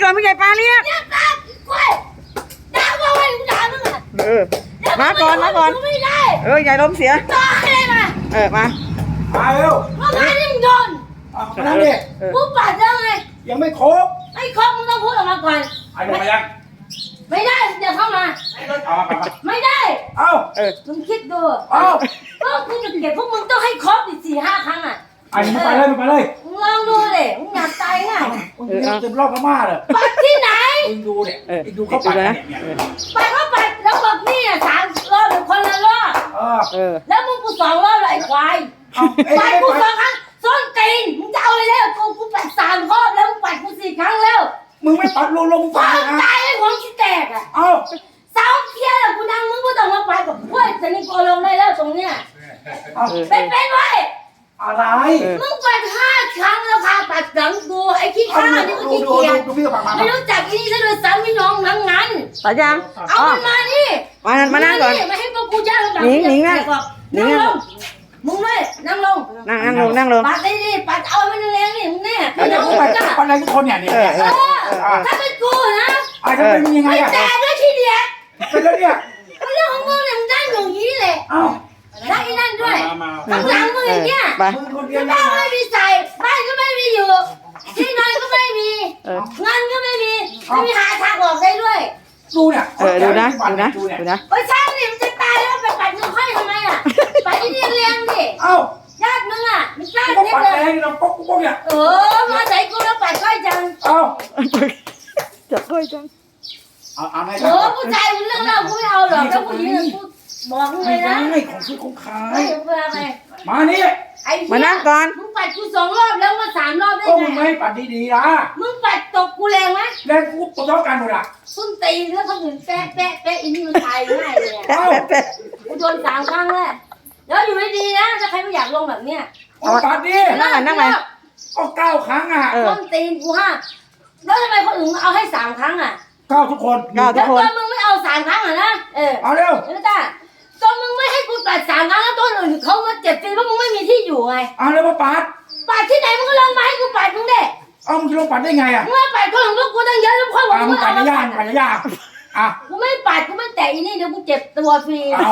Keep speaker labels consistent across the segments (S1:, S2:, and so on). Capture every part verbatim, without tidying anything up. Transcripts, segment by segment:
S1: นผู้ใหญ่ปลาเรียก
S2: เนี่ยตามกล้วยด่าว่าไว้กูด่ามึงอ่ะ
S1: เออมาก่อนมาก่อน
S2: ไม่ได้
S1: เออใหญ่ลมเสีย
S2: ต่อให้เลยมา
S1: เออมา
S3: มาเร็ว
S2: เมื่อวานนี่มึงโดน
S3: เอานั่นดิ
S1: เออ
S2: กูปัดแล้วไง
S3: ยังไม่ครบ
S2: ไอ้ครบมึงต้องพูดออกมาก่อน
S3: ไอ้ลงมายัง
S2: ไม่ได้เดี๋ยวเข้ามา
S3: เอามามา
S2: ไม่ได้
S3: เอา
S1: เออ
S2: มึงคิดดู
S3: เอา
S2: ก็กูจะเก็บพวกมึงต้องให้ครบอีกสี่ห้าครั้งอ่ะ
S3: ไอ้มึงไปเลยมึงไปเลย
S2: มึงลองดูเลยมึงอยากตายไง
S3: มึงเรียกเต็มรอบพม่าเลย
S2: ปัดที่ไหน
S3: มึงดูเนี่ย
S1: เออ
S3: ไอ้ดูเขาปัดเนี่ยเนี่ย
S2: ปัดก็ปัดแล้วบอกนี่อ่ะสามรอบหรือคนละรอบ
S3: เออ
S1: เออ
S2: แล้วมึงกูสองรอบเลยไอ้ควาย
S3: เอาเอ้ย
S2: ปัด
S3: ไม่
S2: กูส
S3: ปั
S2: อ
S3: ด
S2: งครั้งส้นตีนมึงจะเอาอะไรแล้วกูกูปัดสามรอบแล้วมึงปัดกูสี่ครั้งแล้ว
S3: มึงไม่ปัดลงลง
S2: ฟา
S3: ฟัง
S2: ง
S3: นะ
S2: ตายไอ้หัวขี้แตกอ่ะ
S3: เอา
S2: สาวเคลียร์แล้วกูดังมึงก็ต้องมาไปกับเพื่อนแต่นี่กูลงได้แล้วตรงเนี้ย
S3: เอา
S2: เป็นเป็นไว้
S3: อะไร
S2: มึงปัดห้าครั้งแล้วพาปัดหลังกูไอ้ขี้
S3: เอา
S2: ข้า
S3: ดู
S2: นี่ก็
S3: ดู
S2: ขี้
S3: ดู
S2: เกียจ
S3: ดูพี่กับปากมา
S2: ไม่รู้จักอีนี่ซะด้วยซ้ำพี่น้องทั้งนั้น
S1: ต่อยัง
S2: เอา
S1: อ๋อ
S2: มันมานี่
S1: มานั่งมานั่งก่อน
S2: มาให้พวกกูย่างแบบ
S1: หนิงหนิงนั่งหนิ
S2: นั่
S1: ง
S2: ง
S1: นั่ง
S2: ลงมึงด้วยนั่งลง
S1: นั่งนั่งลงนั่งลง
S2: ปัดได้ดิปัดเอามันแรงๆนี่มึงแน่
S3: ไอ้
S2: พี่น้
S3: เดี๋ย
S2: อ
S3: ว
S2: ง
S3: กู
S2: มึ
S3: ไป
S2: งจ้ะ
S3: ปัดอะไรทุกคนเนี่ยเนี่ย
S1: เออ
S2: เออถ้าเป็นกูนะ
S3: ไอ้ทำไมมึงยังไง
S2: ไอ้
S3: อ่ะ
S2: แต่ด้วยขี้เดียด
S3: เป็นแล้วเนี่ย
S2: เรื่องของมึงเนี่ยมึงได้อย่างนี้เลย
S3: เอา
S2: ได้อีนั่นด้วย
S3: มามา
S2: ข้างหลังมึงอย่างเงี้ย
S1: ไป
S3: มึงคนเดียว
S2: บ้า
S3: นะ
S2: นไม่มีใส่บ้านก็ไม่มีอยู่ที่นอนก็ไม่มี
S1: เออ
S2: เงินก็ไม่มีไม่มีหาทางออกได้ด้วย
S3: ดูเนี่ย
S1: เออดูนะดูนะดูนะ
S2: โอ้ยช่างนี่มันจะตายแล้วไปปัดเงินค่อยทำไมอ่ะไปที่นี่เลี้ยงดิ
S3: เอ้า
S2: ญาติมึงอ่ะมีกล้า
S3: ก็
S2: เล็ก
S3: ปัด
S2: เลย
S3: แรงเราป๊อกป๊อกเนี่ย
S2: เออมาใส่กูแล้วปัดค่อยจัง
S3: เอ้า
S1: จับด้วยจัง
S3: เอาเอาไง
S2: โอ้ผู้ชายมึงเรื่องเล่ากูไม่เอาหรอกแล้วผู้หญิงกูบอกมึงเล
S3: ไม่
S2: ย
S3: ได้
S2: นะ
S3: ของซื้อของขาย
S2: ไม่เพื่ออะไร
S3: มานี่
S2: ไอ้
S1: มานั่งก่อน
S2: มึงปัดกูสองรอบแล้วมาสามรอบได้
S3: ก็
S2: ไง
S3: มึงไม่ให้ปัดดีๆนะ
S2: มึงปัดตกกูแรงไหม
S3: แรงกูตัวเท่ากันหมดอ่ะ
S2: ส้นตีนแล้วคนอื่นแปะแปะแปะอินนี่มันตายง่ายเลยอะ
S1: แปะแปะแปะ
S2: กูโดนสามครั้งแล้วแล้วอยู่ไม่ดีนะถ้าใครไม่อยากลงแบบเนี้ย
S3: เอาปัดดิ
S1: นั่งไหนนั่งไหน
S3: ก็เก้าครั้งอ่ะ
S1: เออ
S2: ส้นตีนกูห้าแล้วทำไมคนอื่นเอาให้สามครั้งอ่ะ
S3: เก้าทุกคน
S1: เก้า
S2: แล้วตัวมึงไม่เอาสามครั้งเหรอนะเออ
S3: เอาเร็ว
S2: แล้วจ้าตัวมึงไม่ให้กูปัดสามครั้งแล้วตัวอื่นเขามาเจ็บฟรีเพราะมึงไม่มีที่อยู่ไง
S3: เอาเร็วมาปัด
S2: ปัดที่ไหนมึงก็ลงมาให้กูปัดมึงเด้
S3: เอามึงจะลงปัดได้ไงอ่ะ
S2: มึงไม่ปัดคนของพวกกูตั้งเยอะแล้วค่อยบอก
S3: อ่ะ
S2: มึ
S3: มึ
S2: ง
S3: งปั
S2: เอา
S3: ด
S2: มา
S3: ยา
S2: ปั
S3: ก
S2: ด
S3: ปัดยากอ่ะ
S2: กูไม่ปัดกูไม่แตะอีนี่เดี๋ยวกูเจ็บตัวฟรี
S3: เอา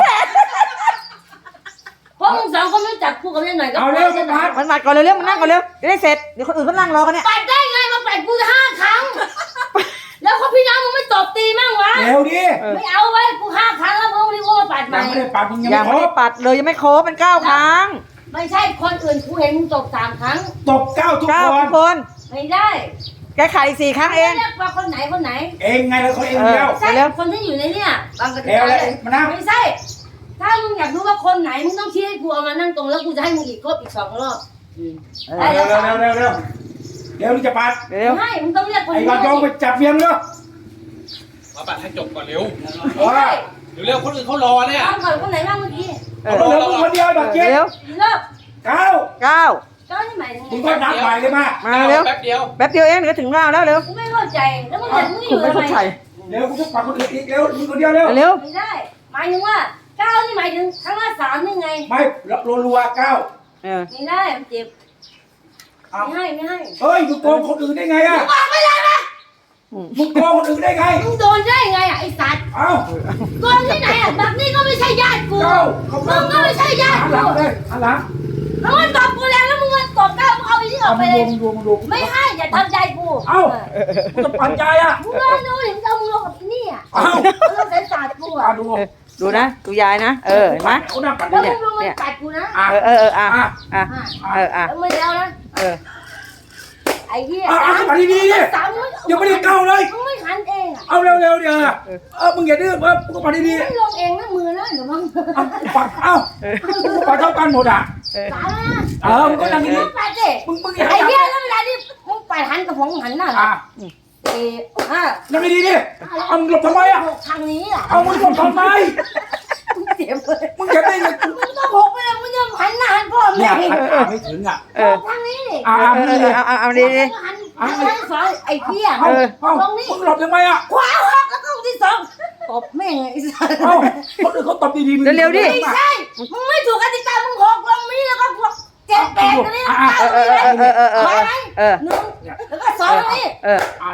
S2: เพราะมึงสองคนไม่จับกูกับเล่นหน่อยก็
S3: เอาเร็วมาปัด
S1: มันมาก่อนเร็วๆมันนั่งก่อนเร็วจะได้เสร็จเดี๋ยวคนอื่นเขานั่งรอกันเนี่ย
S2: ปัดได้ไงมาปัดกูห้าครั้ง แล้วเขาพี่น้องมึงไม่ตบตีมั่งวะ
S3: เร็วดิ
S2: ไม่เอาไว้กูห้าครั้งแล้วมึงรีบว่าปัดให
S3: ยั
S2: ม่
S3: งไม่ได้ปัดมึงยัง
S1: ยัง
S3: ไม่
S1: ไม่
S3: คร
S1: ได้
S3: บ
S1: ปัดเลยยังไม่ครบเป็นเก้าครั้ง
S2: ไม่ใช่คนอื่นกูเห็นมึงตบสามครั้ง
S3: ตบเก้าทุก
S1: เก้า
S3: ค
S1: ทุ
S3: น
S1: กคน
S2: ไม่ได้
S1: แกขายสี่ครั้งเอง
S2: เรียกว่าคนไหนคนไหน
S3: เองไงแล้วเขาเองเดียว
S2: ใช่
S1: เร็ว
S2: คนที่อยู่ในเนี่ยบางกระ
S3: เร็วเลยมานั่ง
S2: ไม่ใช่ ถ้ามึงอยากรู้ว่าคนไหนมึงต้องชี้ให้กูเอามานั่งตรงแล้วกูจะให้มึงอีกครบอีกสองรอบ
S1: เอ
S3: เร็
S1: อ
S3: วเร็วเร็วเร็วเร็วเร็วนี่จะปัด
S1: เร็ว
S2: ไม่มึงต้องเรียกคน
S3: ไอ้
S2: นี้
S3: กอนยองไปจับเมียมเนาะ
S4: มาปัดให้จบก่อนเร็ว
S2: ไม่ใช่
S4: เร็วๆคนอื่นเขารอเนี่ย
S2: ตอนก่อนคนไหนบ้างเมื่อกี้
S1: เอ
S3: เอา
S1: อ
S3: เร็วมึงคนเดียวแบบเจ๊
S1: เร็ว
S2: เลิก
S3: เก้า
S1: เก้า
S2: เก้าที่หมายถึง
S3: มึง
S2: ไง
S3: ก็นับใหม่เลยมา
S1: มาเร็ว
S4: แป๊บเดียว
S1: แป๊บเดียวเองเดี๋ยวถึงเราแล้วเร็ว
S2: กูไม่เข้าใจแล้วมึงเห็นมึงอ
S1: คุณ
S2: ยู่
S1: ไม่
S2: ทำไม
S1: เข้าใจ
S3: เร็วกูจะปัดคนอื่นอีกเร็วมึงคนเดียวเร็ว
S1: เร็ว
S2: ไม่ได้ หมายถึงว่าเก้านี่หมายถึงครั้งละสามนี่ไง
S3: ไม่รัวๆเก้า
S1: เออ
S2: ไม่ได้มันเจ็บ
S3: เอา
S2: ไม่ให้ไม่ให้
S3: เฮ้ยมึงโกงคนอื่นได้ไงอ่ะ
S2: บอกไม่ได้ไหม
S3: มึงโกงคนอื่นได้ไง
S2: มึงโดนได้ไงอ่ะไอ้สัตว์
S3: เอ้า
S2: โกงที่ไหนอ่ะแบบนี้ก็ไม่ใช่ญาติกู
S3: เก้าเขา
S2: มึงก็ไม่ใช่ญาติ
S3: หันห
S2: กู
S3: ลังเลยหันหลัง
S2: แล้วมันตบกูแล้วแล้วมึงมาตบเก้ามึงเอาไอ้นี่อ
S3: เอา
S2: อกไป
S3: มึง
S2: เล
S3: ดู
S2: ย
S3: มึงดูมึงดู
S2: ไม่ให้อย่าทำใจกู
S3: เอ้ามึงจะปั่นใจอ่ะ
S2: มึงลองดูดิมึงเอามึงลงกับไอ้นี่อ่ะ
S3: เอ้า
S2: มึงลงใส่ศาสตร์กู
S3: อ่ะ
S2: อ่ะ
S3: ดู
S1: เออดูนะดูยายนะเออเห็นไหม
S3: เขานั่งปั่น
S2: แล้ว
S3: เนี่
S2: มึ
S3: ย
S2: งลงมากัดกูนะ
S3: อ่ะ
S1: เออเออเอออ่ะ
S3: อ่ะ
S1: อ่ะ
S2: อ่ะ
S1: เอออ่ะ
S2: แล้วไม่แล้วนะ
S1: เออ
S2: ไอ้เหี้ย
S3: อ่ะอ่ะปั่นดีๆดิ
S2: สามมึง
S3: ยังไม่ได้เก้าเลย
S2: มึงไม่หันเองอ่ะ
S3: เอาเร็วๆเดี๋ยวเออมึงอย่าดื้อเออมึงก็ปั่นดี
S2: ไม่ลงเองนะมือนะเดี๋ยวมึง
S3: ๆเอาปั่นเอ้าปั่นเท่ากันหมดอ่ะ
S1: เออ
S2: สามนะ
S3: เออมึงก็นั่ง
S2: มึ
S3: ดี
S2: งปัดดิ
S3: ๆมึงมึงอย่า
S2: ไอ้เหี้ยแล้วเวลาที่มึงปัดหันกับผมหันหน้า
S3: อ่ะ
S2: สี่ห้า
S3: นั่งดีๆดิเอามึงหลบทำไมอ่ะ
S2: หกทางนี้อ่ะ
S3: เอามึงหลบทำไม
S2: มึงเจ็บเลย
S3: มึงจะได้ไง
S2: มึงต้องหกไปเลยมึงจะหันหน้าหันพ่อ
S3: เนี่
S2: แม่
S3: ยหันขาไม่ถึงอ่ะ
S1: เออ
S2: ทางนี้ดิ
S3: อ่ะ
S1: เอ
S3: อ่ะ
S1: อ
S3: มึง
S1: เอ
S3: ดิ
S1: อเอาเอาเอาดีดี
S2: หันหันหันสองไอ้เหี้ย
S3: เอา
S1: เออ
S3: เอา
S2: ตรงนี้
S3: มึงหลบทำไมอ่ะ
S2: ขวาหักแล้วก็ที่สองตบแม่งไอ้สัส
S3: เอ้าคนอื่นเขาตบดีๆมึง
S1: เร็วๆดิ
S2: ไม่ใช่มึงไม่ถูกกติกามึงหกลงนี้แล้วก็เจ็ดแปดตรงนี้แล้ว
S1: เอ
S2: เก้า
S1: อเออเออเออเออเออ
S2: มาไหม
S1: เออ
S2: หนึ่งแล้วก็สองตรงนี้
S1: เออ
S3: อ่า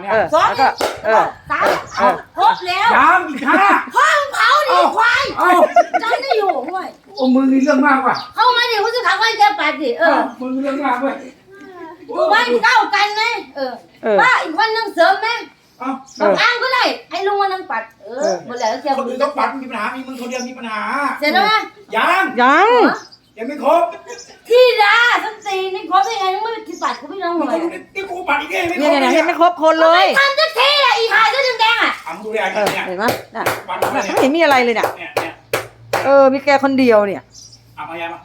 S3: เนี่ย
S1: เออ
S2: สอง
S1: แล้วก็เออ
S2: สามครบแล้ว
S3: ยังอีกห้า
S2: พ่อมึงเผาดิควาย
S3: เอ้า
S2: ใจไม่อยู่เว้ย
S3: โอ้มึงนี่เรื่องมากว่ะ
S2: เข้ามาดิกูจะขังไว้แกปัดดิเออ
S3: มึงเรื่องมากเว้ย
S2: กูไม่เข้ากันไหมเออ
S1: เออ
S2: ป้าอีกคนนึงเสริมไหม
S3: เอ้า
S2: บางอ้างก็ได้ให้ลุงมานั่งปัดเออหมดแล้วเจ้า
S3: คนอื่นต้องปัดมีปัญหามีมึงคนเดียวมีปัญหา
S2: เสร็จแล้วไหม
S3: ยัง
S1: ยัง
S3: ยังไม่ครบ
S2: ที่ดาสันตีนี่ครบได้ไงมึงไม่ที่ปัดกูไม่ร้อง
S3: มึง
S2: เลย
S3: ดูนี่กูปัดอีกเองไม่คร
S1: เนี่ย
S3: บ
S1: เนี่ยเนี่ยยังไม่ครบคนเลย
S2: ทำจะเท่อะอีหายเสื้อแดงๆอ่ะ
S3: อ่ะมึงดูดิไอ้
S1: เออ
S3: เนี่ย
S1: เห็นไหมน่ะ
S3: ปัด
S1: น่ะ
S3: มา
S1: ไม่เห็นมีอะไรเลยเนี่ย
S3: เนี่ยเนี่ย
S1: เออมีแกคนเดียวเนี่ย
S3: เอามายามา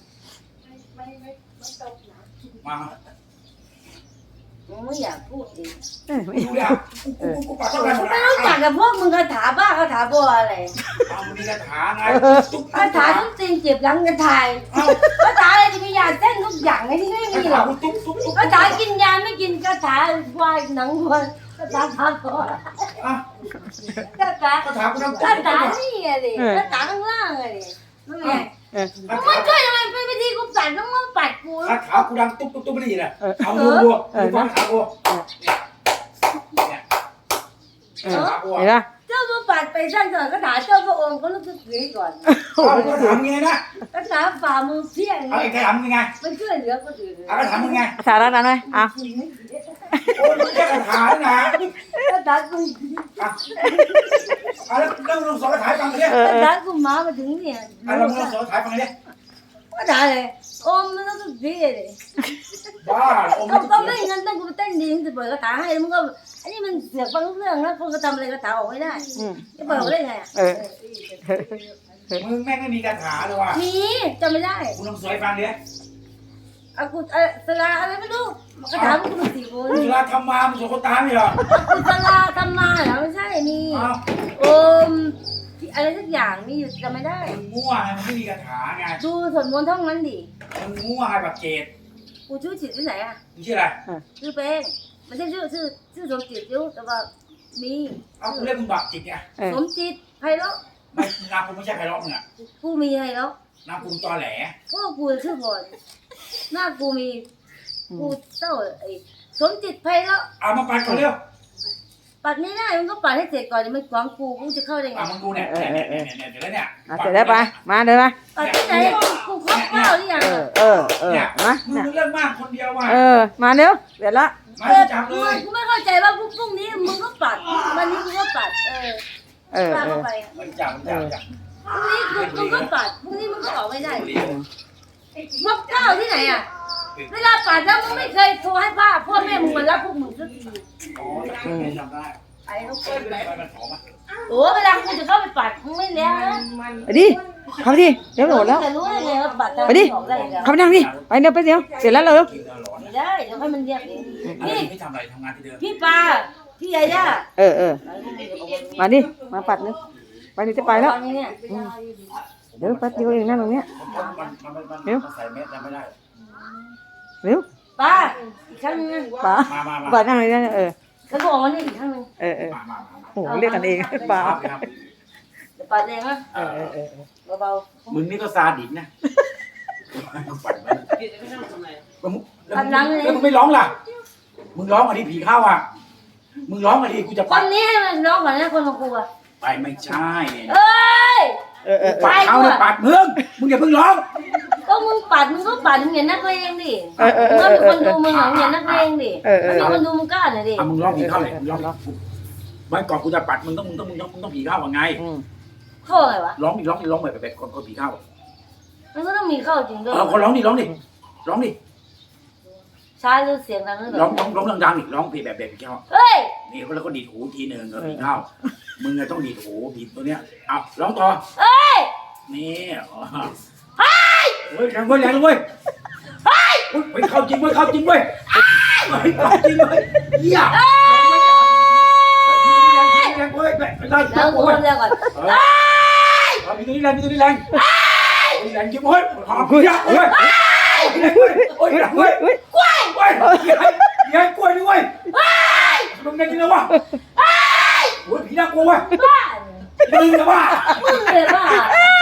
S3: มามา
S2: มึงไม่อยากพูดเอง
S1: เออ
S3: มึงดูดิอ่ะกูกูกูปัดเท่าไหร่หมด
S2: ไม่
S3: แล้ว
S2: รู้จักกับพวกมึงคาถาบ้าคาถาบัวอะไร
S3: เอามึงมีคาถาไง
S2: คาถาทุกสิ่งเจ็บหลังกันทายคาถาอะไรจะมียาเส้นทุกอย่างไงที่ไม่มีหรอก
S3: ตุ๊บตุ๊บตุ๊บ
S2: คาถากินยาไม่กินคาถาวายหนังวัวคาถาทาตัว
S3: อ่ะ
S2: คาถา
S3: คาถากูต้อง
S2: คาถานี่ไงดิคาถาข้างล่างไงดินั่นไง
S1: เออ
S3: คา
S2: มึง
S3: ถา
S2: ช่วยทำไมเป็นวิธีกูปัดต้องมาปัดกู
S3: คาถากูดังตุ๊บตุ๊บตุ๊บไม่ได้ยินอ่ะเอาดูดูดูฟังคาถากูเนี่ยเนี่ย
S1: เออเห็นปะ
S2: เจ้ามาปัดไปสั้นก่อนคาถาเจ้าพระองค์ก็รู้สึกผีก่อน
S3: เอาคาถามึงไงนะ
S2: คาถาฝ่ามือเพี้ยง
S3: เอาไอ้คาถามึงไง
S2: มันช่วยเหลือคนอื่น
S3: เอาคาถามึงไง
S1: สาระนั้นไหมอ่ะ
S3: โอ้ยมึงแค่คาถานะ
S2: คาถากู
S3: อ่ะเอาแล้วแล้วมึงลองสอนคาถาให้ฟังเลย
S1: เออ
S2: คา
S1: เออ
S2: ถากูมามาถึงเนี่ย
S3: อ่ะเรามึงลองสอนคาถาให้ฟังเลย
S2: คาถาเลยโอ้มันรู้สึกผีเลย
S3: บ้าโอ้
S2: ก็
S3: ไม่
S2: ก็
S3: ต้
S2: ไม่
S3: อง
S2: งั้นต้องกูไปเต้นดีจะเปิดคาถาให้มึงก็อันนี้มันเสือกฟังเรื่องนะคนก็ทำอะไรคาถาออกไม่ได้
S1: อืม
S2: จะเปิดได้ไง
S1: เออ
S3: มึงแม่งไม่มีคาถาเลยว่ะ
S2: มีจำไม่ได้
S3: มึงลองสอนให้ฟังดิ
S2: อากูเออสลาอะไรไม่รู้คาถามันก็สี่คน
S3: มึงลาทำมามึงสอนคนตามไม่เหรอ
S2: กูสลาทำมาเหรอไม่ใช่มี
S3: เอา
S2: โอมอะไรสักอย่างมีอยู่จำไม่ได้
S3: มึงมั่วไงมึงไม่มีคาถาไง
S2: ดูสวดมนต์ท่องนั้นดิ
S3: มึงมั่วไงแบบเจด
S2: กูชื่อจิตที่ไหนอ่ะ
S3: มึงชื่ออะไร
S2: ชื่อเป้งไม่ใช่ชื่อชื่อชื่อสมจิตอยู่แต่ว่ามี
S3: เอากูเรียกมึงบักจิตไง
S1: เออ
S2: สมจิตไพเราะ
S3: ไม่นามกูไม่ใช่ไพเราะมึงอ่ะ
S2: กูมีไพเราะ
S3: นามกูตอแหล
S2: พวกกูชื่อพรหน้ากูมีกูเจ้าไอ้สมจิตไพเราะ
S3: เอามาปัดก่อนเร็ว
S2: ปัดไม่ได้มึงก็ปัดให้เสร็จก่อนเดี๋ยวมันขวางกูกูจะเข้าได้ไง
S3: อ่ะมึงดูเนี่ยเนี่ยเนี่ยเนี่ยเนี่ยเดี๋ยวแล้วเนี่ย
S1: อ่ะเสร็จแล้วไปมาเดินมา
S2: ปัดที่ไหนกูครบข้าวหรือยัง
S1: เออเออเออ
S3: เนี่ย
S1: มา
S3: มึง
S1: เนี่ย
S3: เรื่องมากคนเดียวว่ะ
S1: เออมาเร็วเดี๋ยวละ
S3: มา
S2: เออ
S3: จับเลย
S2: กูไม่เข้าใจว่าพรุ่งนี้มึงก็ปัดวันนี้กูก็ปัดเออ
S1: เออ
S2: ป้า
S1: เอ
S2: เข้า
S1: อ
S2: ไป
S3: มันจับมันจับจับ
S2: พรุ่งนี้กูมึงก็ปัดพรุ่งนี้มึงก็ออกไม่ได้พวกข้าวที่ไหนอ่ะเวลาปัดแล้วมึงไม่เคยโทรให้ป้าพ่อแม่มึงมารับพวกมึงสักที
S3: อ๋อไม่ทำได้
S2: ไอ้ลูก
S3: เปิดไปมันหอมอ่ะ
S2: โอ้เวลากูจะเข้าไปปัดมึงไม่แล้วนะ
S1: ไปดิเข้าไปดิเดี๋ยวโหลดแล้ว
S2: จะรู้ได้ไงว่าปัด
S1: ไปดิ
S2: ออกได้แล้ว
S1: เข้าไปนั่งดิไปเดี๋ยวไปเดี๋ยวเสร็จแล้วเร็ว
S3: กินแล้วร้อน
S2: ไม่ได้เดี๋ยวให้มันเรียกเอง
S3: นี่
S2: นี่
S3: ไม่ทำอะไรทำงานที่เดิม
S2: พี่ปาพี่ยาย่า
S1: เออเออมาดิมาปัดนึงไปดิจะไปแล้ว
S2: ตอนนี้เนี่ย
S1: เดี๋ยวแป๊บเดียวเองนะตรงเนี้ย
S3: มันมันมันมัน
S1: เร็ว
S3: ใส่เม็ดไม่ได้
S1: เร็ว
S2: ป้าอีกครั้งนึงนะ
S1: ป๋า
S3: มามามา
S1: ป๋านั่งเลยนะเออ
S2: แล้วก็ออกมานี่อีกครั้งนึง
S1: เออเออ
S3: มามามา
S1: โอ้โหเรียกกันเองป๋า
S3: ครับ
S2: เดี๋ยวปัดเองนะ
S1: เออเออเออ
S2: เบา
S3: มึงนี่ก็ซาดิสนะฝันมันแล้วมึงไม่ร้องล่ะ มึงร้องอันนี้ผีเข้าอ่ะ มึงร้องอันนี้กูจะ
S2: ๆค
S3: ปัด
S2: นนี้ให้มันร้องก่อนนะคนของกูอะ
S3: ไปไม่ใช่เนี่ย
S2: เอ้ย
S1: เออเออเอ
S3: ปั
S1: อ
S3: ดเขาเนี่ยปัดมึง มึงอย่าเพิ่งร้อง
S2: ก็มึงปัดมึงก็ปัดมึงอย่านักเลงดิ
S1: เออเออเอ
S2: มึงก็
S1: อ
S2: มี
S1: เอ
S2: ค
S1: อน
S2: ดูมึงอย่านักเลงดิ
S1: เออเออ
S2: มีคนดูมึงกล้าหน่อยดิ
S3: อ่ะมึงร้องผีเข้าเลยมึงร้องไม่ก่อนกูจะปัดมึงต้องมึงต้องมึงต้องมึงต้องผีเข้าว่าไง
S1: อืม
S2: เข้าไงวะ
S3: ร้องดิร้องดิร้องแบบแบบคนคนผีเข้า
S2: มันก็ต้องมีเข้าจริงด้วย
S3: เออคนร้องดิร้องดิร้องดิ
S2: ช้าหรือเสียงดังหรือ
S3: ร้องร้องร้องดังๆดิร้องเพลงแบบแบบผีเข้า
S2: เฮ้ย
S3: นี่แล้วก็ดีดหูทีหนึ่งเออผีเข้า มึงอะต้องดีดหูดีดตัวเนี้ยเอาร้องต่อ
S2: เฮ้ย
S3: นี่เฮ้ยเฮ้ยแรงเว้ยแรงเว้ยเฮ้ยเฮ้ยเข้าจริงเว้ยเข้าจริงเว้ยเฮ้ยเข้าจริงเว้ยเหี้ยแรงเว้ยแรงได้
S2: แล้วกู
S3: เว้ย
S2: เรียกก่อน
S3: เฮ้ยเอามีตัวนี้แรงมีตัวนี้แรงแรงจริงเว้ยหอมเหี้ยเว้ยแรงเว้ยโอ้ยแรงเว้ย
S1: เฮ้ย
S2: กล้วย
S3: เว้ยใหญ่กล้วยนี่เว้ยมึงไงจริงแล้ววะโอ้ยผีน่ากลัวเว้ย
S2: บ้า
S3: มึงนะว่า
S2: มึงเลยบ้า